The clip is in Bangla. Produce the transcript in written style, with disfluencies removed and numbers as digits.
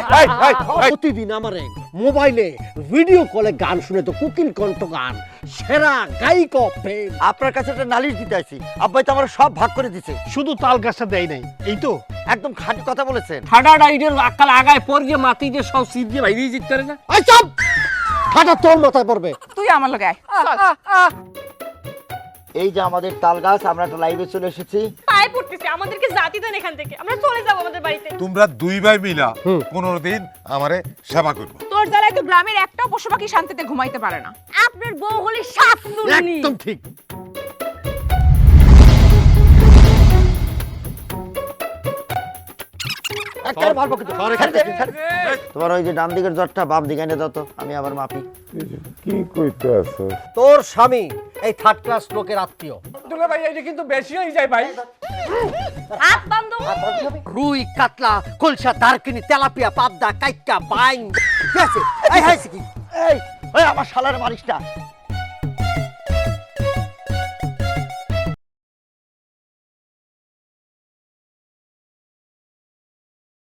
প্রতিদিন আমার মোবাইলে ভিডিও কলে গান শুনে তো কুকিং কণ্ঠ গান সেরা গায়িকা ফেম। আপনার কাছে একটা নালিশ দিতে আসি, আব্বাই তো আমার সব ভাগ করে দিছে। শুধু তাল গাছটা দেয় নাই, এই তো একদম খাঁটি কথা বলেছেন। ঠাডা ডাইডের আকাল আগায় পড় যে মাটি যে সব সিট দিয়ে বাইরে যেতে পারে না। আই চুপ, ঠাডা তোর মাথায় পড়বে। তুই আমার লগে আয়। এই যে আমাদের তাল গাছ, আমরা একটা লাইভে চলে এসেছি। পায়ে পড়তেছে, আমাদেরকে জাতি দেন এখান থেকে, আমরা চলে যাবো আমাদের বাড়িতে। তোমরা দুই ভাই মিলা 15 দিন আমারে সেবা করবো। তোর জ্বালায় তো গ্রামের একটাও পশু পাখি শান্তিতে ঘুমাইতে পারে না। আপনার বউ হলে শাশুড়ি। একদম ঠিক। একেবারে মারবো কিন্তু। তোমার ওই যে ডান দিকের জ্বরটা বাম দিকে এনে দাও তো, আমি আবার মাপি। কি কইতে আছো? তোর স্বামী এই থার্ড ক্লাস লোকের আত্মীয়। দুলা ভাই এটা কিন্তু বেশি হয়ে যায় ভাই। হাত বান্ধব। রুই, কাতলা, কলসা, দারকিনি, তেলাপিয়া, পাবদা, কাইকা, বাইং। ঠিক আছে? এই হাইছে কি? এই ওই আমার শালার মারিস না।